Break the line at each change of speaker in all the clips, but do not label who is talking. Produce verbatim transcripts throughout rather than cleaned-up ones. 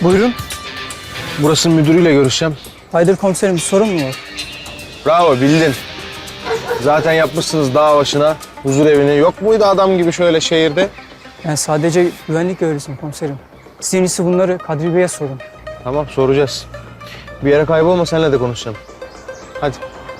Buyurun.
Burası müdürüyle görüşeceğim.
Haydır komiserim, bir sorun mu var?
Bravo, bildin. Zaten yapmışsınız dağ başına huzur evini. Yok muydu adam gibi şöyle şehirde?
Ben sadece güvenlik görevlisiyim komiserim. Siz en iyisi bunları Kadri Bey'e sorun.
Tamam, soracağız. Bir yere kaybolma, seninle de konuşacağım. Hadi.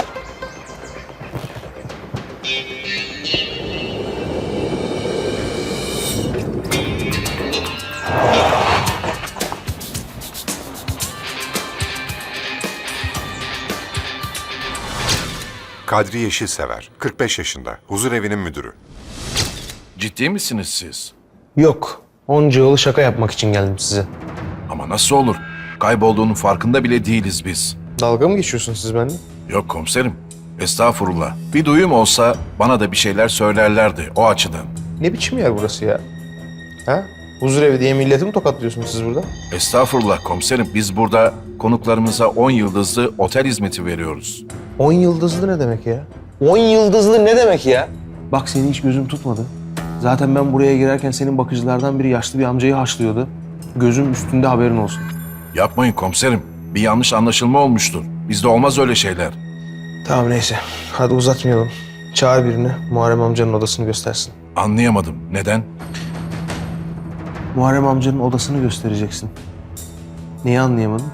Kadri Yeşilsever, kırk beş yaşında, huzurevinin müdürü.
Ciddi misiniz siz?
Yok, onca yolu şaka yapmak için geldim size.
Ama nasıl olur? Kaybolduğunun farkında bile değiliz biz.
Dalga mı geçiyorsunuz siz benimle?
Yok komiserim. Estağfurullah. Bir duyum olsa bana da bir şeyler söylerlerdi o açıdan.
Ne biçim yer burası ya? Ha? Huzur evi diye milleti mi tokatlıyorsunuz siz burada?
Estağfurullah komiserim. Biz burada konuklarımıza on yıldızlı otel hizmeti veriyoruz.
On yıldızlı ne demek ya? On yıldızlı ne demek ya? Bak seni hiç gözüm tutmadı. Zaten ben buraya girerken senin bakıcılardan biri yaşlı bir amcayı haşlıyordu. Gözüm üstünde, haberin olsun.
Yapmayın komiserim. Bir yanlış anlaşılma olmuştur. Bizde olmaz öyle şeyler.
Tamam neyse. Hadi uzatmayalım. Çağır birini. Muharrem amcanın odasını göstersin.
Anlayamadım. Neden?
Muharrem amcanın odasını göstereceksin. Neyi anlayamadın?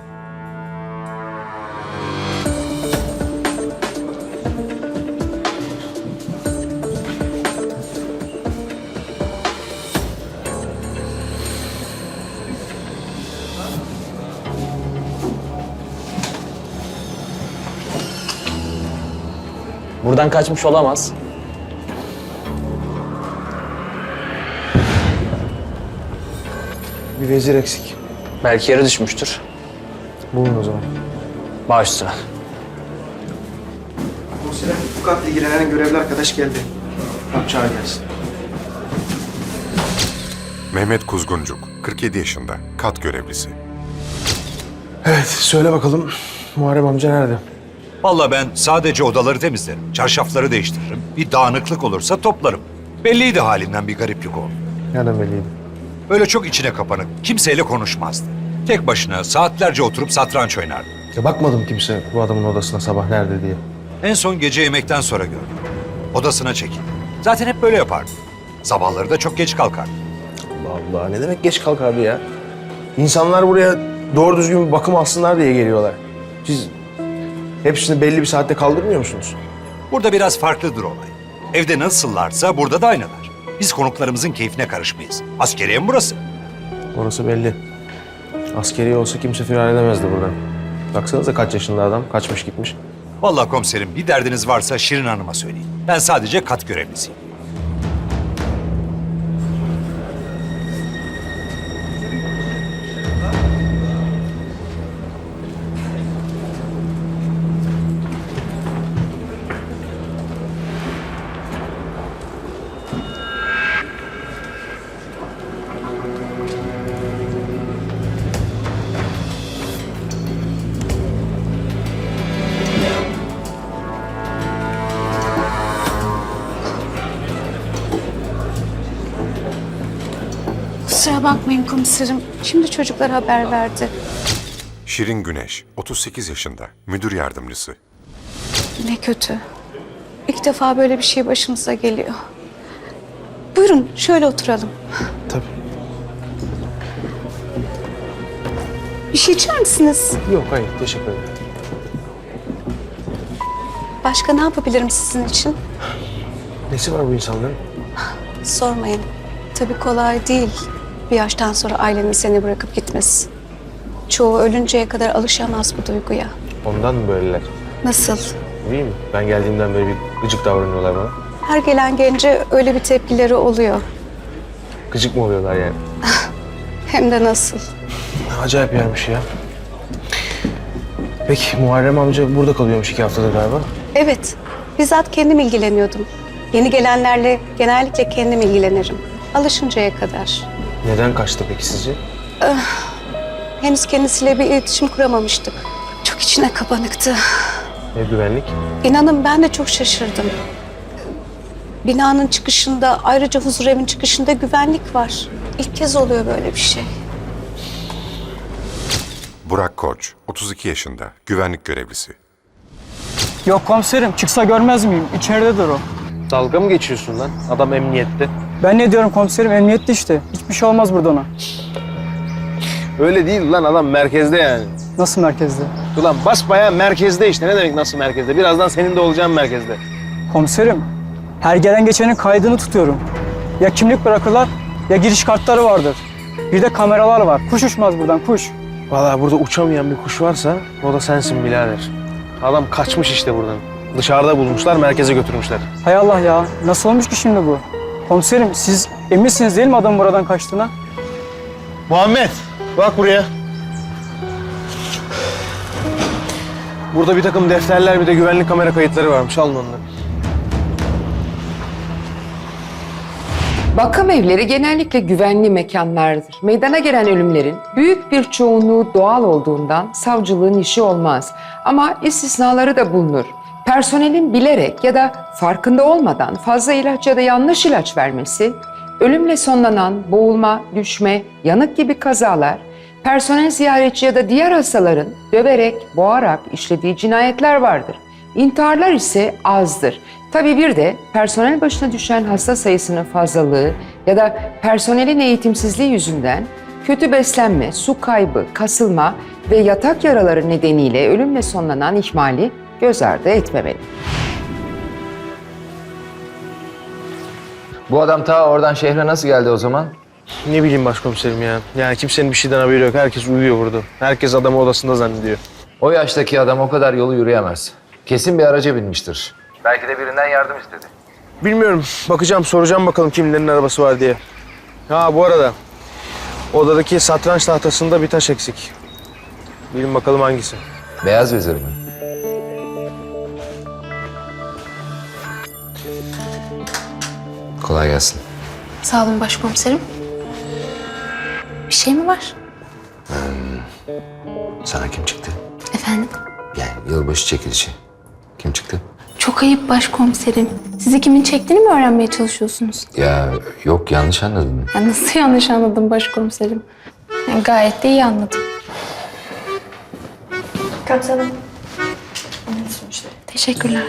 Buradan kaçmış olamaz.
Bir vezir eksik.
Belki yere düşmüştür.
Bulun o zaman.
Baş üstüne.
Komiserim, bu katla ilgilenen görevli arkadaş geldi.
Tamam, çağır gelsin.
Mehmet Kuzguncuk, kırk yedi yaşında, kat görevlisi.
Evet, söyle bakalım. Muharrem amca nerede?
Vallahi ben sadece odaları temizlerim, çarşafları değiştiririm. Bir dağınıklık olursa toplarım. Belliydi halinden bir gariplik oldu.
Nereden belliydi?
Böyle çok içine kapanık, kimseyle konuşmazdı. Tek başına saatlerce oturup satranç oynardı.
Ya bakmadım kimse bu adamın odasına sabah nerede diye.
En son gece yemekten sonra gördüm. Odasına çekildi. Zaten hep böyle yapardı. Sabahları da çok geç kalkardı.
Allah Allah, ne demek geç kalkardı ya? İnsanlar buraya doğru düzgün bir bakım alsınlar diye geliyorlar. Siz hepsini belli bir saatte kaldırmıyor musunuz?
Burada biraz farklıdır olay. Evde nasıllarsa burada da aynılar. Biz konuklarımızın keyfine karışmayız. Askeriye mi burası?
Orası belli. Askeri olsa kimse firar edemezdi buradan. Baksanıza kaç yaşında adam, kaçmış gitmiş.
Vallahi komiserim bir derdiniz varsa Şirin Hanım'a söyleyin. Ben sadece kat görevlisiyim.
Kusura bakmayın komiserim. Şimdi çocuklar haber verdi.
Şirin Güneş, otuz sekiz yaşında, müdür yardımcısı.
Ne kötü. İlk defa böyle bir şey başımıza geliyor. Buyurun şöyle oturalım.
Tabii.
Bir şey içer misiniz?
Yok, hayır, teşekkür ederim.
Başka ne yapabilirim sizin için?
Nesi var bu insanların?
Sormayın. Tabii kolay değil. Bir yaştan sonra ailenin seni bırakıp gitmesi. Çoğu ölünceye kadar alışamaz bu duyguya.
Ondan mı böyleler?
Nasıl?
Değil mi? Ben geldiğimden beri bir gıcık davranıyorlar bana.
Her gelen gence öyle bir tepkileri oluyor.
Gıcık mı oluyorlar yani?
Hem de nasıl?
Acayip yermiş ya. Peki Muharrem amca burada kalıyormuş iki haftadır galiba.
Evet. Bizzat kendim ilgileniyordum. Yeni gelenlerle genellikle kendim ilgilenirim. Alışıncaya kadar.
Neden kaçtı peki sizce?
Henüz kendisiyle bir iletişim kuramamıştık. Çok içine kapanıktı.
Ve güvenlik?
İnanın ben de çok şaşırdım. Binanın çıkışında, ayrıca huzurevin çıkışında güvenlik var. İlk kez oluyor böyle bir şey.
Burak Koç, otuz iki yaşında, güvenlik görevlisi.
Yok komiserim, çıksa görmez miyim? İçeridedir o.
Dalga mı geçiyorsun lan? Adam emniyette.
Ben ne diyorum komiserim? Emniyette işte. Hiçbir şey olmaz burada ona.
Öyle değil lan, adam merkezde yani.
Nasıl merkezde?
Ulan basbayağı merkezde işte. Ne demek nasıl merkezde? Birazdan senin de olacağın merkezde.
Komiserim, her gelen geçenin kaydını tutuyorum. Ya kimlik bırakırlar ya giriş kartları vardır. Bir de kameralar var. Kuş uçmaz buradan, kuş.
Vallahi burada uçamayan bir kuş varsa o da sensin birader. Adam kaçmış işte buradan. Dışarıda bulmuşlar, merkeze götürmüşler.
Hay Allah ya, nasıl olmuş ki şimdi bu? Komiserim, siz eminsiniz değil mi adamın buradan kaçtığına?
Muhammed, bak buraya. Burada bir takım defterler, bir de güvenlik kamera kayıtları varmış. Alın onları.
Bakım evleri genellikle güvenli mekanlardır. Meydana gelen ölümlerin büyük bir çoğunluğu doğal olduğundan savcılığın işi olmaz. Ama istisnaları da bulunur. Personelin bilerek ya da farkında olmadan fazla ilaç ya da yanlış ilaç vermesi, ölümle sonlanan boğulma, düşme, yanık gibi kazalar, personel ziyaretçi ya da diğer hastaların döverek, boğarak işlediği cinayetler vardır. İntiharlar ise azdır. Tabii bir de personel başına düşen hasta sayısının fazlalığı ya da personelin eğitimsizliği yüzünden kötü beslenme, su kaybı, kasılma ve yatak yaraları nedeniyle ölümle sonlanan ihmali göz ardı etmemeli.
Bu adam ta oradan şehre nasıl geldi o zaman?
Ne bileyim başkomiserim ya. Yani kimsenin bir şeyden haberi yok. Herkes uyuyor burada. Herkes adamı odasında zannediyor.
O yaştaki adam o kadar yolu yürüyemez. Kesin bir araca binmiştir. Belki de birinden yardım istedi.
Bilmiyorum. Bakacağım, soracağım bakalım kimlerin arabası var diye. Ha bu arada odadaki satranç tahtasında bir taş eksik. Bilin bakalım hangisi.
Beyaz vezir mi? Kolay gelsin.
Sağ olun başkomiserim. Bir şey mi var?
Sana kim çıktı?
Efendim?
Yani yılbaşı çekilişi. Kim çıktı?
Çok ayıp başkomiserim. Sizi kimin çektiğini mi öğrenmeye çalışıyorsunuz?
Ya yok, yanlış anladın.
Ya nasıl yanlış anladım başkomiserim? Yani gayet de iyi anladım. Kaptanım. Teşekkürler.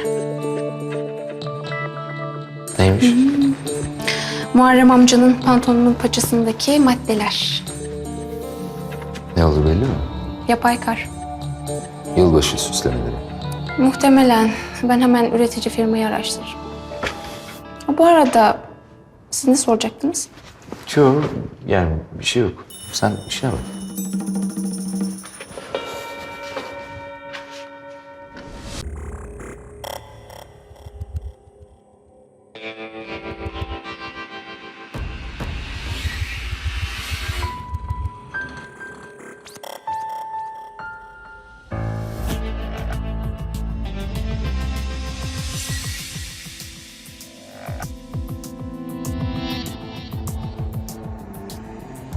Neymiş?
Muharrem amcanın pantolonunun paçasındaki maddeler.
Ne oldu belli mi?
Yapay kar.
Yılbaşı süslemeleri.
Muhtemelen. Ben hemen üretici firmayı araştırırım. Ha, bu arada siz ne soracaktınız?
Yok, yani bir şey yok. Sen işine bak.